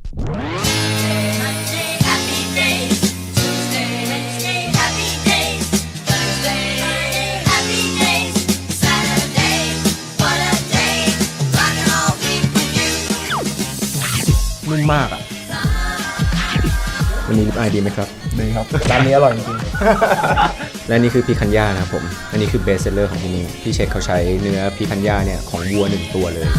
นุ่มมากอ่ะวันนี้ไอดีไหมครับดีครับร้านนี้อร่อยจริงๆและนี่คือพีคันย่านะครับผมอันนี้คือเบสเซลเลอร์ของที่นี่พี่เช็คเขาใช้เนื้อพีคันย่าเนี่ยของวัว1ตัวเลย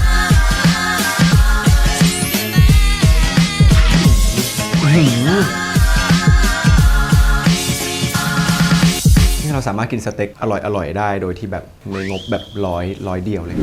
นี่เราสามารถกินสเต็กอร่อยได้โดยที่แบบในงบแบบร้อยเดียวเลย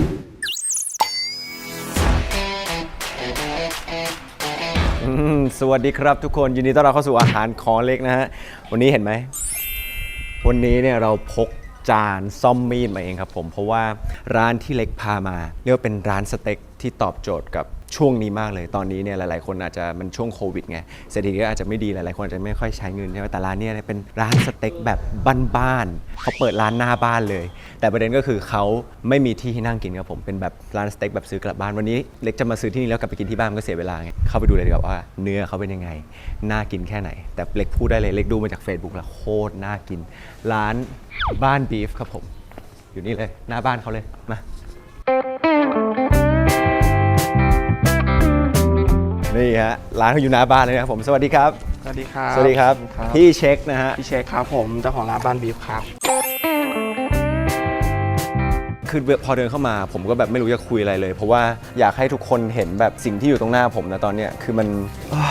สวัสดีครับทุกคนยินดีต้อนรับเข้าสู่อาหารของเล็กนะฮะวันนี้เห็นไหมวันนี้เนี่ยเราพกจานซ่อมมีดมาเองครับผมเพราะว่าร้านที่เล็กพามาเรียกว่าเป็นร้านสเต็กที่ตอบโจทย์กับช่วงนี้มากเลยตอนนี้เนี่ยหลายๆคนอาจจะมันช่วงโควิดไงเศรษฐกิจก็อาจจะไม่ดีหลายๆคนอาจจะไม่ค่อยใช้เงินใช่ไหมแต่ร้านเนี่ยเป็นร้านสเต็กแบบบ้านๆเขาเปิดร้านหน้าบ้านเลยแต่ประเด็นก็คือเขาไม่มีที่ให้นั่งกินครับผมเป็นแบบร้านสเต็กแบบซื้อกลับบ้านวันนี้เล็กจะมาซื้อที่นี่แล้วกลับไปกินที่บ้านก็เสียเวลาไงเข้าไปดูเลยดีกว่าว่าเนื้อเขาเป็นยังไงน่ากินแค่ไหนแต่เล็กพูดได้เลยเล็กดูมาจาก Facebook แล้วโคตรน่ากินร้านบ้านบีฟครับผมอยู่นี่เลยหน้าบ้านเขาเลยมานี่ฮะร้านเขาอยู่หน้าบ้านเลยนะครับผมสวัสดีครับสวัสดีครับสวัสดีครับพี่เช็คนะฮะพี่เช็คครับผมเจ้าของร้านบ้านบีฟครับคือพอเดินเข้ามาผมก็แบบไม่รู้จะคุยอะไรเลยเพราะว่าอยากให้ทุกคนเห็นแบบสิ่งที่อยู่ตรงหน้าผมนะตอนเนี้ยคือมัน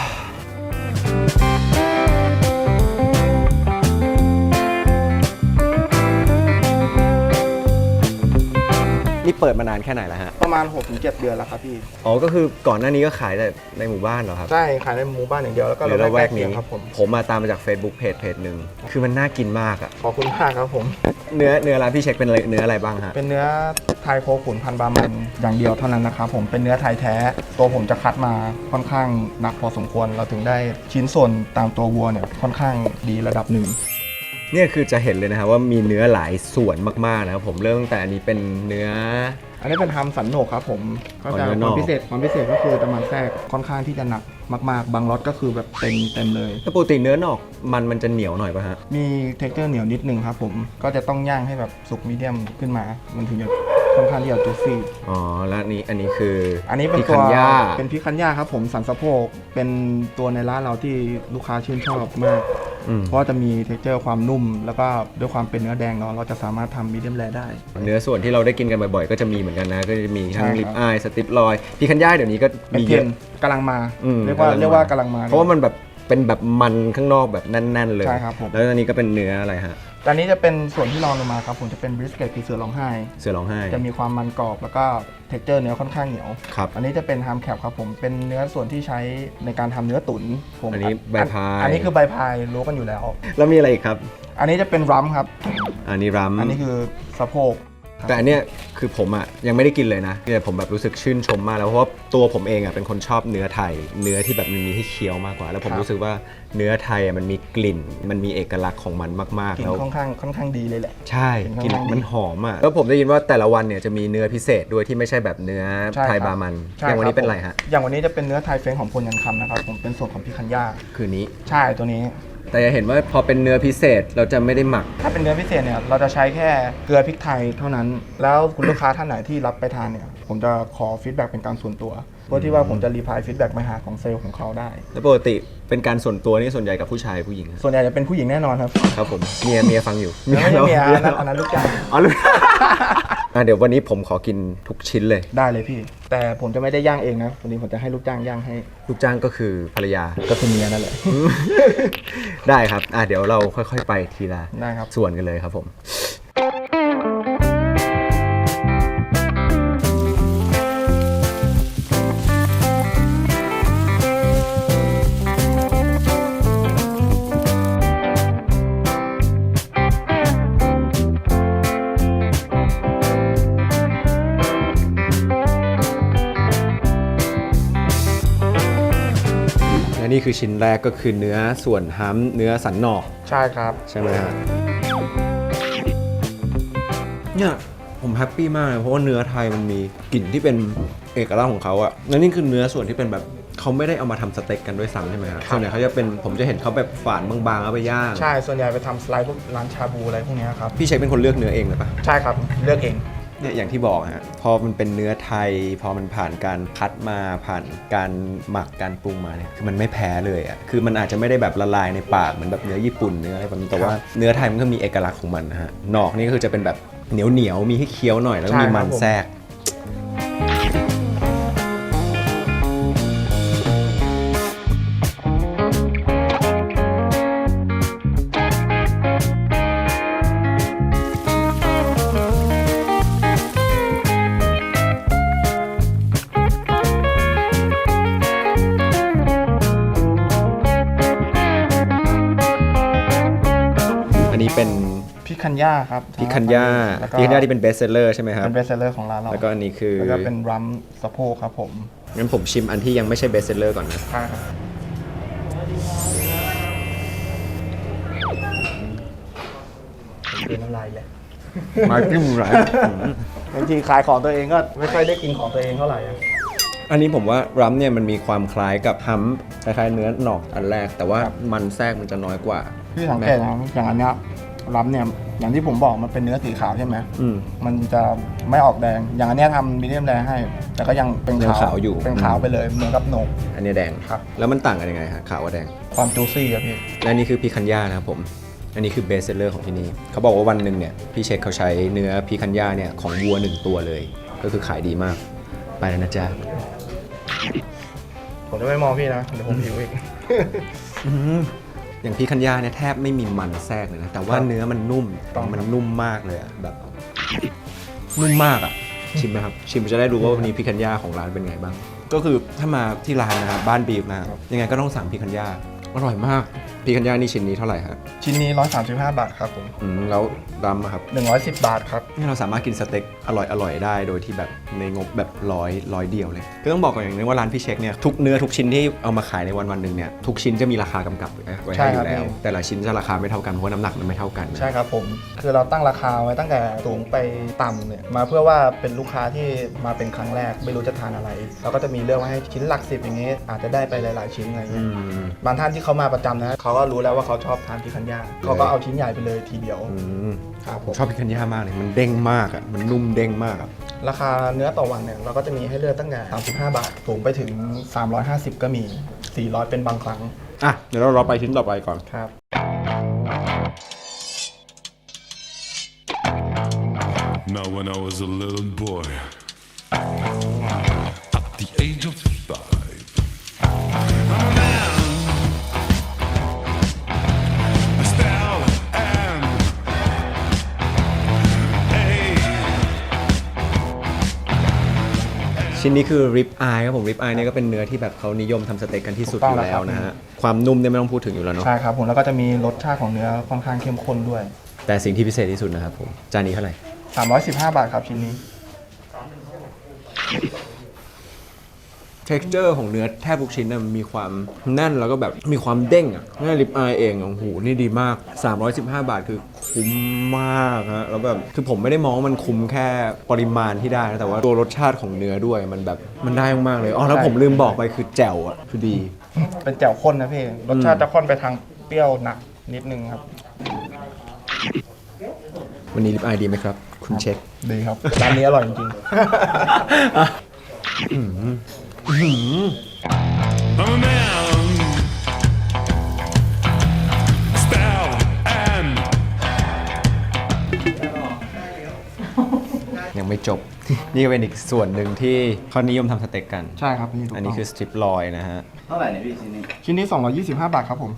นี่เปิดมานานแค่ไหนแล้วฮะประมาณ 6-7 เดือนแล้วครับพี่อ๋อก็คือก่อนหน้านี้ก็ขายแต่ในหมู่บ้านเหรอครับใช่ขายในหมู่บ้านอย่างเดียวแล้วก็ระแวกนี้ครับผมมาตามมาจาก Facebook เพจหนึ่งคือมันน่ากินมากอ่ะขอบคุณมากครับผมเนื้อร้านพี่เช็คเป็นเนื้ออะไรบ้างฮะเป็นเนื้อไทยโคขุนพันบามันอย่างเดียวเท่านั้นนะครับผมเป็นเนื้อไทยแท้ตัวผมจะคัดมาค่อนข้างหนักพอสมควรเราถึงได้ชิ้นส่วนตามตัววัวเนี่ยค่อนข้างดีระดับหนึ่งเนี่ยคือจะเห็นเลยนะครับว่ามีเนื้อหลายส่วนมากๆนะครับผมเริ่มตั้งแต่อันนี้เป็นเนื้ออันนี้เป็นทำสันโหนกครับผมก็จะความพิเศษก็คือจะมันแทรกค่อนข้างที่จะหนักมากๆบางรสก็คือแบบเต็มเลยปกติเนื้อนอกมันจะเหนียวหน่อยป่ะฮะมีเท็กเจอร์เหนียวนิดนึงครับผมก็จะต้องย่างให้แบบสุกมีเดียมขึ้นมามันถึงจะค่อนข้างที่จะจุซี่อ๋อแล้วอันนี้คืออันนี้เป็นตัวเป็นพิคันย่าครับผมสันสะโพกเป็นตัวในร้านเราที่ลูกค้าชื่นชอบมากเพราะจะมีเท็กเจอร์ความนุ่มแล้วก็ด้วยความเป็นเนื้อแดงเนาะเราจะสามารถทำมีเดียมแรร์ได้เนื้อส่วนที่เราได้กินกันบ่อยๆก็จะมีเหมือนกันนะก็จะมีทั้งลิปอายสติปลอยพิคันย่าเดี๋ยวนี้ก็มีเยอะกำลังมาเรียกว่ากำลังมาเพราะว่ามันแบบเป็นแบบมันข้างนอกแบบแน่นๆเลยใช่ครับผมแล้วอันนี้ก็เป็นเนื้ออะไรฮะตอนนี้จะเป็นส่วนที่รองลงมาครับผมจะเป็นบริสเกตคือเสือร้องไห้จะมีความมันกรอบแล้วก็เท็กเจอร์เนื้อค่อนข้างเหนียวครับอันนี้จะเป็นฮัมแคปครับผมเป็นเนื้อส่วนที่ใช้ในการทำเนื้อตุ๋นผมอันนี้ใบพายอันนี้คือใบพายรู้กันอยู่แล้วแล้วมีอะไรอีกครับอันนี้จะเป็นรัมครับอันนี้รัมอันนี้คือสะโพกแต่อันเนี้ยคือผมอ่ะยังไม่ได้กินเลยนะแต่ผมแบบรู้สึกชื่นชมมากแล้วเพราะว่าตัวผมเองอ่ะเป็นคนชอบเนื้อไทยเนื้อที่แบบมันมีให้เคี้ยวมากกว่าแล้วผมรู้สึกว่าเนื้อไทยอ่ะมันมีกลิ่นมันมีเอกลักษณ์ของมันมากๆแล้วค่อนข้างดีเลยแหละใช่กลิ่นมันหอมอ่ะแล้วผมได้ยินว่าแต่ละวันเนี่ยจะมีเนื้อพิเศษด้วยที่ไม่ใช่แบบเนื้อไทยบามันอย่างวันนี้เป็นอะไรฮะอย่างวันนี้จะเป็นเนื้อไทยเฟ้งของพลยันคำนะครับผมเป็นส่วนของพิคันย่าคือนี้ใช่ตัวนี้แต่จะเห็นว่าพอเป็นเนื้อพิเศษเราจะไม่ได้หมักถ้าเป็นเนื้อพิเศษเนี่ยเราจะใช้แค่เกลือพริกไทยเท่านั้นแล้วคุณลูกค้าท่านไหนที่รับไปทานเนี่ยผมจะขอฟีดแบ็กเป็นการส่วนตัวเพื่อที่ว่าผมจะรีพลายฟีดแบ็กมาหาของเซลล์ของเขาได้แล้วปกติเป็นการส่วนตัวนี่ส่วนใหญ่กับผู้ชายผู้หญิงส่วนใหญ่จะเป็นผู้หญิงแน่นอนครับครับผมเมียฟังอยู่ไม่ใช่เมียอันนั้นลูกจ้างอ๋อลูกเดี๋ยววันนี้ผมขอกินทุกชิ้นเลยได้เลยพี่แต่ผมจะไม่ได้ย่างเองนะวันนี้ผมจะให้ลูกจ้างย่างให้ลูกจ้างก็คือภรรยาก็คือเมียนั่นแหละได้ครับเดี๋ยวเราค่อยๆไปทีละได้ครับส่วนกันเลยครับผมนี่คือชิ้นแรกก็คือเนื้อส่วนฮัมเนื้อสันนอกใช่ครับใช่ไหมฮะเนี่ยผมแฮปปี้มากเลยเพราะว่าเนื้อไทยมันมีกลิ่นที่เป็นเอกลักษณ์ของเขาอะและนี่คือเนื้อส่วนที่เป็นแบบเเขาไม่ได้เอามาทำสเต็กกันด้วยซ้ำใช่ไหมครับส่วนใหญ่เขาจะเป็นผมจะเห็นเขาแบบฝานบางๆเอาไปย่างใช่ส่วนใหญ่ไปทำสไลด์พวกร้านชาบูอะไรพวกนี้ครับพี่เช็คเป็นคนเลือกเนื้อเองเลยปะใช่ครับเลือกเองเนี่ยอย่างที่บอกฮะพอมันเป็นเนื้อไทยพอมันผ่านการคัดมาผ่านการหมักการปรุงมาเนี่ยคือมันไม่แพ้เลยอ่ะคือมันอาจจะไม่ได้แบบละลายในปากเหมือนแบบเนื้อญี่ปุ่นเนื้ออะไรแบบนี้แต่ว่าเนื้อไทยมันก็มีเอกลักษณ์ของมันนะฮะหนอกนี่ก็คือจะเป็นแบบเหนียวมีให้เคี้ยวหน่อยแล้วก็มีมันแทรกอันนี้เป็นพริกคันย่าครับพริกคันย่าที่เป็นเบสเซลเลอร์ใช่ไหมครับเป็นเบสเซลเลอร์ของร้านเราแล้วก็อันนี้คือแล้วก็เป็นรัมสะโพกครับผมงั้นผมชิมอันที่ยังไม่ใช่เบสเซลเลอร์ก่อนนะเป็นน้ำลายเลยมาจิ้มไรบางทีขายของตัวเองก็ไม่ค่อยได้กินของตัวเองเท่าไหร่อันนี้ผมว่ารัมเนี่ยมันมีความคล้ายกับฮัมคล้ายๆเนื้อหนอกอันแรกแต่ว่ามันแทรกมันจะน้อยกว่าที่สังเกตนะอย่างอันเนี้ยรัมเนี่ยอย่างที่ผมบอกมันเป็นเนื้อสีขาวใช่ไหมมันจะไม่ออกแดงอย่างอันเนี้ยทำมีเดียมแดงให้แต่ก็ยังเป็นขาวอยู่เป็นขาวไปเลยเหมือนกับโหนกอันนี้แดงครับแล้วมันต่างกันยังไงฮะขาวกับแดงความจูซี่ครับพี่และนี่คือพีคันย่านะครับผมอันนี้คือเบสเซลเลอร์ของที่นี่เขาบอกว่าวันหนึ่งเนี่ยพี่เช็คเขาใช้เนื้อพีคันย่าเนี่ยของวัว1ตัวเลยก็คือขายดีมากไปแล้วนะจ๊ะผมจะไม่มองพี่นะเดี๋ยวผมหิวอีกอย่างพี่คันย่าเนี่ยแทบไม่มีมันแทรกเลยนะแต่ว่าเนื้อมันนุ่มมากเลยอะแบบนุ่มมากอะชิมไหมครับชิมจะได้รู้ว่าวันนี้พี่คันย่าของร้านเป็นไงบ้างก็คือถ้ามาที่ร้านนะครับบ้านบีฟนะครับยังไงก็ต้องสั่งพี่คันย่าอร่อยมากพี่คันย่านี่ชิ้นนี้เท่าไหร่ครับชิ้นนี้135 บาทครับผมแล้วรัมครับ 110 บาทครับนี่เราสามารถกินสเต็กอร่อยได้โดยที่แบบในงบแบบร้อยเดียวเลยก็ต้องบอกก่อนอย่างนึงว่าร้านพี่เช็คเนี่ยทุกเนื้อทุกชิ้นที่เอามาขายในวันหนึ่งเนี่ยทุกชิ้นจะมีราคากำกับไว้ให้อยู่แล้วแต่ละชิ้นจะราคาไม่เท่ากันเพราะว่าน้ำหนักมันไม่เท่ากันใช่ครับผมคือเราตั้งราคาไว้ตั้งแต่สูงไปต่ำเนี่ยมาเพื่อว่าเป็นลูกค้าที่มาเป็นครั้งแรกไม่รู้จะทานอะไรเราก็จะมีเลือกไว้ให้ชิ้นหลัก10อย่างเงี้ยอาจจะได้ไปหลายๆชิ้นอะไรเงี้ยบางท่านที่เขามาประจำนะเขาก็รู้แล้วว่าเขาชอบทานพิคันย่าเขาก็เอาชิ้นใหญ่ไปเลยทีเดียวครับผมชอบพิคันย่ามากเลยมันเด้งมากอ่ะมันนุ่มเด้งมากอ่ะราคาเนื้อต่อวันเนี่ยเราก็จะมีให้เลือกตั้งแต่35 บาทสูงไปถึง350ก็มี400เป็นบางครั้งอ่ะเดี๋ยวเราไปชิ้นต่อไปก่อนครับ Now when I was a little boy at the age of 5 ชิ้นนี้คือริบอายครับผมริบอายเนี่ยก็เป็นเนื้อที่แบบเขานิยมทำสเต็กกันที่สุดอยู่แล้วนะฮะความนุ่มเนี่ยไม่ต้องพูดถึงอยู่แล้วเนาะใช่ครับผมแล้วก็จะมีรสชาติของเนื้อค่อนข้างเข้มข้นด้วยแต่สิ่งที่พิเศษที่สุดนะครับผมจานนี้เท่าไหร่ 315 บาทครับชิ้นนี้ texture ของเนื้อแทบทุกชิ้นมันมีความแน่นแล้วก็แบบมีความเด้งอ่ะนี่ริบอายเองโอ้โหนี่ดีมาก315 บาทคือคุ้มมากฮะแล้วแบบคือผมไม่ได้มองว่ามันคุ้มแค่ปริมาณที่ได้นะแต่ว่าตัวรสชาติของเนื้อด้วยมันแบบมันได้มากเลยอ๋อแล้วผมลืมบอกไปคือแจ่วอ่ะคือดีเป็นแจ่วข้นนะพี่รสชาติจะข้นไปทางเปรี้ยวหนักนิดนึงครับวันนี้ริบอายดีไหมครับคุณเช็คดีครับร้านนี้อร่อยจริง I'm a man. Style and ยังไม่จบ นี่ก็เป็นอีกส่วนหนึ่งที่เขานิยมทำสเต็กกันใช่ครับนี่อันนี้คือสตริปลอยนะฮะเท่าไหร่เนี่ยพี่ชิ้นนี้ 225 บาทครับผม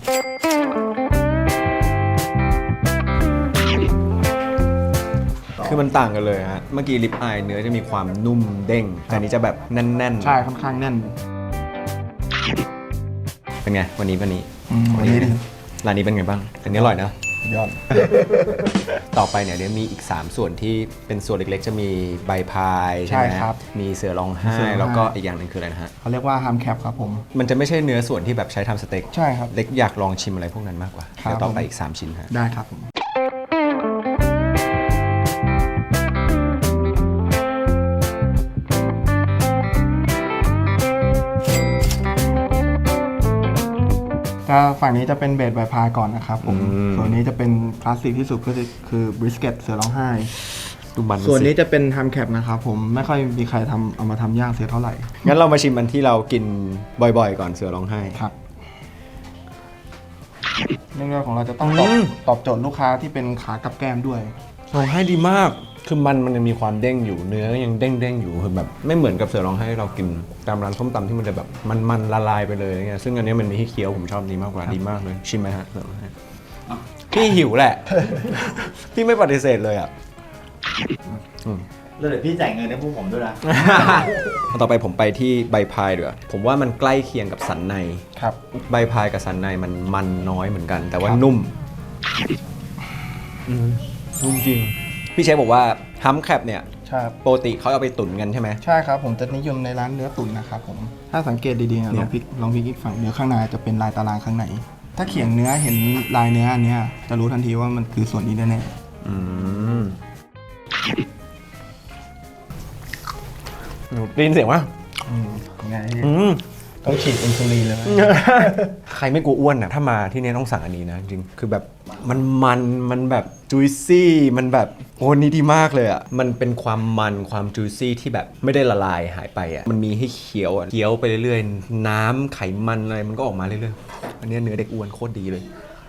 คือมันต่างกันเลยฮะเมื่อกี้ริบอายเนื้อจะมีความนุ่มเด้งแต่อันนี้จะแบบแน่นๆใช่ค่อนข้างแน่นเป็นไงวันนี้ร้านนี้เป็นไงบ้างอันนี้อร่อยนะยอดต่อไปเนี่ยเดี๋ยวมีอีก3ส่วนที่เป็นส่วนเล็กๆจะมีใบพายใช่ไหมครับมีเสือร้องไห้แล้วก็อีกอย่างหนึ่งคืออะไรนะฮะเขาเรียกว่าฮัมแคปครับผมมันจะไม่ใช่เนื้อส่วนที่แบบใช้ทำสเต็กใช่ครับเล็กอยากลองชิมอะไรพวกนั้นมากกว่าเดี๋ยวต่อไปอีก3ชิ้นฮะได้ครับผมก็ฝั่งนี้จะเป็นเบสใบพายก่อนนะครับผมอืมส่วนนี้จะเป็นคลาสสิกที่สุดก็คือบริสเกตเสือร้องไห้ดูมันส่วนนี้จะเป็นฮัมแคปนะครับผมไม่ค่อยมีใครเอามาทำย่างเสียเท่าไหร่งั้นเรามาชิมอันที่เรากินบ่อยๆ ก่อนเสือร้องไห้ครับเรื่องแรกของเราจะต้องตอบโจทย์ลูกค้าที่เป็นขากับแก้มด้วยร้องไห้ดีมาก คือมันยังมีความเด้งอยู่ เนื้อยังเด้งๆอยู่คือแบบไม่เหมือนกับเสือร้องไห้เรากินตามร้านส้มตำที่มันจะแบบมันละลายไปเลยไงซึ่งอันนี้มันมีให้เคี้ยวผมชอบนี้มากกว่าดีมากเลยชิมไหมฮะเสือร้องไห้พี่หิวแหละ พี่ไม่ปฏิเสธเลยอ่ะแล้วเดี๋ยวพี่จ่ายเงินให้พวกผมด้วยนะต่อไปผมไปที่ใบพายดีกว่าผมว่ามันใกล้เคียงกับสันในครับใบพายกับสันในมันน้อยเหมือนกัน แต่ว่าครับนุ่มนุ่มจริง พี่เชฟบอกว่าฮัมแคปเนี่ยใช่ครับปกติเขาเอาไปตุ๋นกันใช่ไหมใช่ครับผมจะนิยมในร้านเนื้อตุ๋นนะครับผมถ้าสังเกตดีๆนะเนี่ลยองพลิกอีกฝั่งเนื้อข้างในจะเป็นลายตารางข้างในถ้าเขียงเนื้อเห็นลายเนื้ออันเนี้ยจะรู้ทันทีว่ามันคือส่วนนี้แน่อืมหนูได้ยินเสียงว่าๆไงต้องฉีดอินซูลินเลยไหมใครไม่กลัวอ้วนอ่ะถ้ามาที่นี่ต้องสั่งอันนี้นะจริงคือแบบมันแบบจุยซี่มันแบบโอ้นี่ดีมากเลยอ่ะมันเป็นความความจุยซี่ที่แบบไม่ได้ละลายหายไปอ่ะมันมีให้เคี้ยวอ่ะเคี้ยวไปเรื่อยๆน้ำไขมันอะไรมันก็ออกมาเรื่อยๆอันนี้เนื้อเด็กอ้วนโคตรดีเลย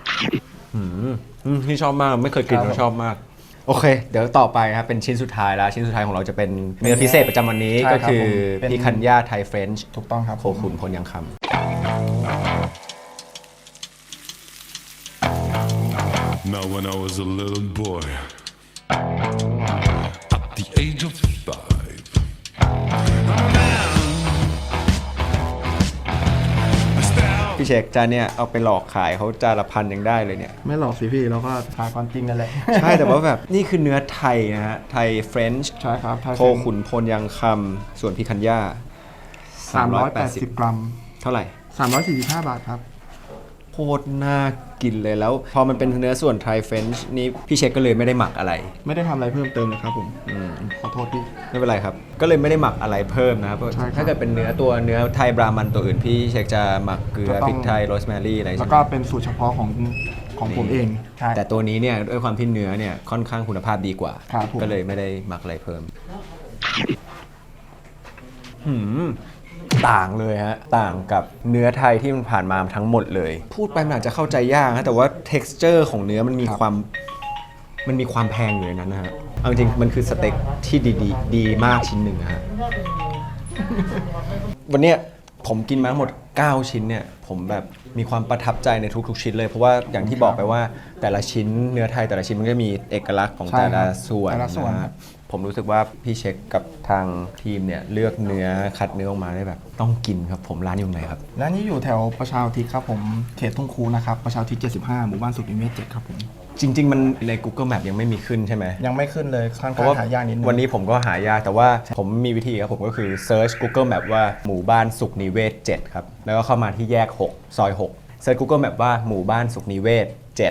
ที่ชอบมากไม่เคยกินแล้วชอบมากโอเค เดี๋ยวต่อไปครับเป็นชิ้นสุดท้ายแล้วชิ้นสุดท้ายของเราจะเป็นเนื้อพิเศษประจำวันนี้ใช่ก็ครับคือผมเป็นพิคันย่าไทยเฟรนช์ถูกต้องครับโคขุนพลยังคำ Now when I was a little boy, at the age of 5, I'm a man. I style. พี่เชคจานเนี่ยเอาไปหลอกขายเขาจานละ1,000ยังได้เลยเนี่ยไม่หลอกสิพี่เราก็ทายความจริงนั่นแหละใช่แต่ว่าแบบนี่คือเนื้อไทยนะฮะ ไทยเฟรนช์ใช่ครับไทยโคขุนพลยังคำส่วนพิคันย่า 380 กรัมเท่าไหร่ 345 บาทครับโคตรน่ากินเลยแล้วพอมันเป็นเนื้อส่วนไทยเฟรนช์นี่พี่เชคก็เลยไม่ได้หมักอะไรไม่ได้ทำอะไรเพิ่มเติมเลยครับผมขอโทษพี่ไม่เป็นไรครับ ก็เลยไม่ได้หมักอะไรเพิ่มนะครับใช่ครับถ้าเกิดเป็นเนื้อไทยบรามันตัวอื่นพี่เชคจะหมักเกลือก็ต้องพริกไทยโรสแมรี่อะไรแล้วใช่ไหมก็เป็นสูตรเฉพาะของผมเองใช่แต่ตัวนี้เนี่ยด้วยความที่เนื้อเนี่ยค่อนข้างคุณภาพดีกว่าครับผมก็เลยไม่ได้หมักอะไรเพิ่มต่างเลยฮะต่างกับเนื้อไทยที่มันผ่านมาทั้งหมดเลย พูดไปมันอาจจะเข้าใจยากนะแต่ว่า texture ของเนื้อมันมีความแพงอยู่ในนั้นนะฮะเอาจริงมันคือสเต็กที่ดีมากชิ้นหนึ่งนะฮะ วันเนี้ยผมกินมาทั้งหมด 9 ชิ้นเนี่ยผมแบบมีความประทับใจในทุกๆชิ้นเลยเพราะว่าอย่างที่บอกไปว่าแต่ละชิ้นเนื้อไทยแต่ละชิ้นมันก็มีเอกลักษณ์ของใช่แต่ละครับส่วนแต่ละส่วนนะฮะผมรู้สึกว่าพี่เช็คกับทางทีมเนี่ยเลือกเนื้อคัดเนื้อออกมาได้แบบต้องกินครับผมร้านอยู่ไหนครับร้านนี้อยู่แถวประชาอุทิศครับผมเขตทุ่งคูนะครับประชาอุทิศ75 หมู่บ้านสุขนิเวศ7ครับผมจริง ๆ มันใน Google Map ยังไม่มีขึ้นใช่ไหมยังไม่ขึ้นเลยค่อนเพข้าราะงว่าหายากนิดนึงวันนี้ผมก็หายากแต่ว่าผมมีวิธีครับผมก็คือ search Google Map ว่าหมู่บ้านสุขนิเวศ7ครับแล้วก็เข้ามาที่แยก 6 ซอย 6 search Google Map ว่าหมู่บ้านสุขนิเวศ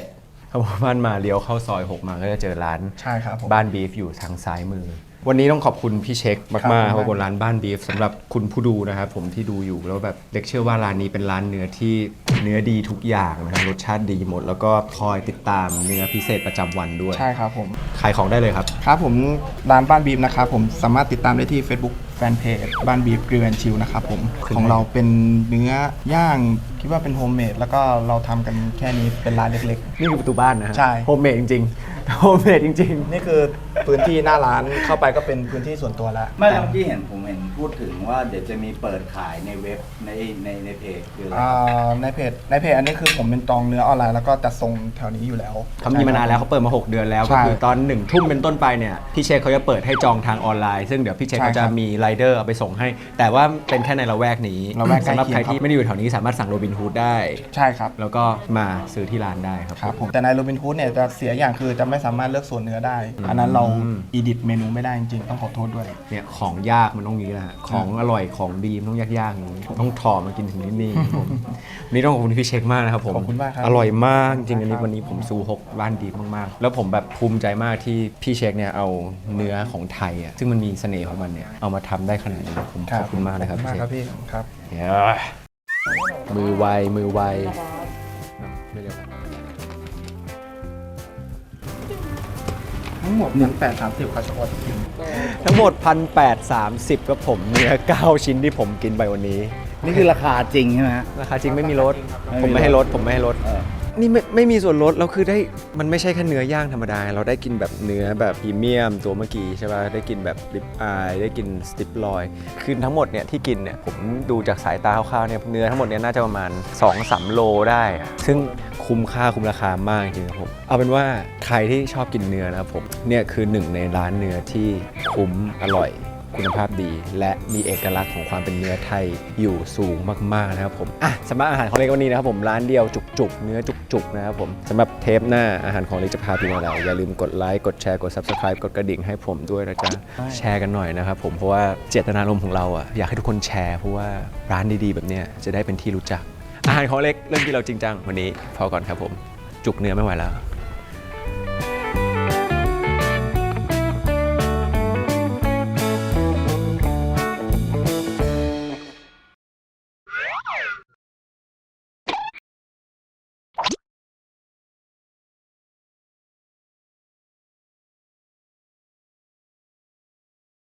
7เข้าบ้านมาเลี้ยวเข้าซอย 6 มาก็จะเจอร้านใช่ครับผมบ้านบีฟอยู่ทางซ้ายมือ วันนี้ต้องขอบคุณพี่เช็คมากๆครับเพราะบนร้านบ้านบีฟสำหรับคุณผู้ดูนะครับผมที่ดูอยู่แล้วแบบเล็กเชื่อว่าร้านนี้เป็นร้านเนื้อที่เนื้อดีทุกอย่างนะครับรสชาติดีหมด แล้วก็คอยติดตามเนื้อพิเศษประจำวันด้วยใช่ครับผมขายของได้เลยครับครับผมร้านบ้านบีฟนะครับผมสามารถติดตามได้ที่ Facebook แฟนเพจบ้านบีฟกริลแอนชิลนะครับผมของเราเป็นเนื้อย่างคิดว่าเป็นโฮมเมดแล้วก็เราทำกันแค่นี้เป็นร้านเล็กนี่คือประตูบ้านนะฮะใช่โฮมเมดจริงๆโฮมเมดจริงๆ นี่คือพื้นที่หน้าร้านเข้าไปก็เป็นพื้นที่ส่วนตัวแล้วไม่แล้วเมื่อกี้ผมเห็นพูดถึงว่าเดี๋ยวจะมีเปิดขายในเว็บในเพจคืออะไรในเพจอันนี้คือผมเป็นจองเนื้อออนไลน์แล้วก็จัดส่งแถวนี้อยู่แล้วๆเขามีมานานแล้วเขาเปิดมา 6 เดือนแล้วใช่ก็คือตอน1 ทุ่มเป็นต้นไปเนี่ยพี่เชคเขาจะเปิดให้จองทางออนไลน์ซึ่งเดี๋ยวพี่เชคใช่เขาจะครับมีไรเดอร์เอาไปส่งให้ แต่ว่าเป็นแค่ในละแวกนี้ละแวกใกล้สำหรับเคียงใครที่ครับไม่ได้อยู่แถวนี้สามารถสั่งโรบินฮูดได้ใช่ครับแล้วก็มาซื้อที่ร้านได้ครับครับผมแต่ในโรบินฮูดเนี่ยจะเสียอย่างคือจะไม่สามารถเลือกส่วนเนื้อได้ อันนั้นเราอีดิทเมนูไม่ได้จริงๆต้องขอโทษด้วยเนี่ยของยากมันต้องอย่างนี้แหละของอร่อยของดีมันต้องยากๆอย่างนี้ต้องถอมากินถึงนี่ครับผมวันนี้ต้องขอบคุณพี่เช็คมากนะครับผมขอบคุณมากครับอร่อยมากจริงๆอันนี้วันนี้ผมซูฮกบ้านดีมากๆแล้วผมแบบภูมิใจมากที่พี่เช็คเนี่ยเอาเนื้อของไทยอ่ะซึ่งมันมีเสน่ห์ของมันเนี่ยเอามาทำได้ขนาดนี้ผมขอบคุณมากเลยครับขอบพี่คุณเช็มากคครับพี่ครับมือไวไม่เดียวกันทั้งหมด1,830ครับเฉพาะที่กินทั้งหมด 1,830ครับผมเนื้อ 9 ชิ้นที่ผมกินไปวันนี้นี่คือราคาจริงใช่ไหมฮะราคาจริงไม่มีลดไม่มีลดผมไม่ให้ลด ผมไม่ให้ลดเออนี่ไม่มีส่วนลด เราคือได้ มันไม่ใช่แค่เนื้อย่างธรรมดา เราได้กินแบบเนื้อแบบพรีเมียมตัวเมื่อกี้ใช่ป่ะ ได้กินแบบริบอาย ได้กินสติปลอยคือทั้งหมดเนี่ยที่กินเนี่ยผมดูจากสายตาคร่าวๆเนี่ยเนื้อทั้งหมดเนี่ยน่าจะประมาณ 2-3 โลได้อะซึ่งคุ้มค่าคุ้มราคามากจริงๆครับผม เอาเป็นว่าใครที่ชอบกินเนื้อนะครับผม เนี่ยคือหนึ่งในร้านเนื้อที่คุ้มอร่อยคุณภาพดี และมีเอกลักษณ์ของความเป็นเนื้อไทยอยู่สูงมากๆนะครับผมสำหรับอาหารของเล็กวันนี้นะครับผมร้านเดียวจุกๆเนื้อจุกๆนะครับผมสำหรับเทปหน้าอาหารของเล็กจะพาไปอะไรอย่าลืมกดไลค์กดแชร์กด Subscribe กดกระดิ่งให้ผมด้วยนะจ๊ะแชร์กันหน่อยนะครับผมเพราะว่าเจตนารมณ์ของเราอ่ะอยากให้ทุกคนแชร์เพราะว่าร้านดีๆแบบเนี้ยจะได้เป็นที่รู้จักอาหารของเล็กเริ่มที่เราจริงจังวันนี้พอก่อนครับผมจุกเนื้อไม่ไหวแล้ว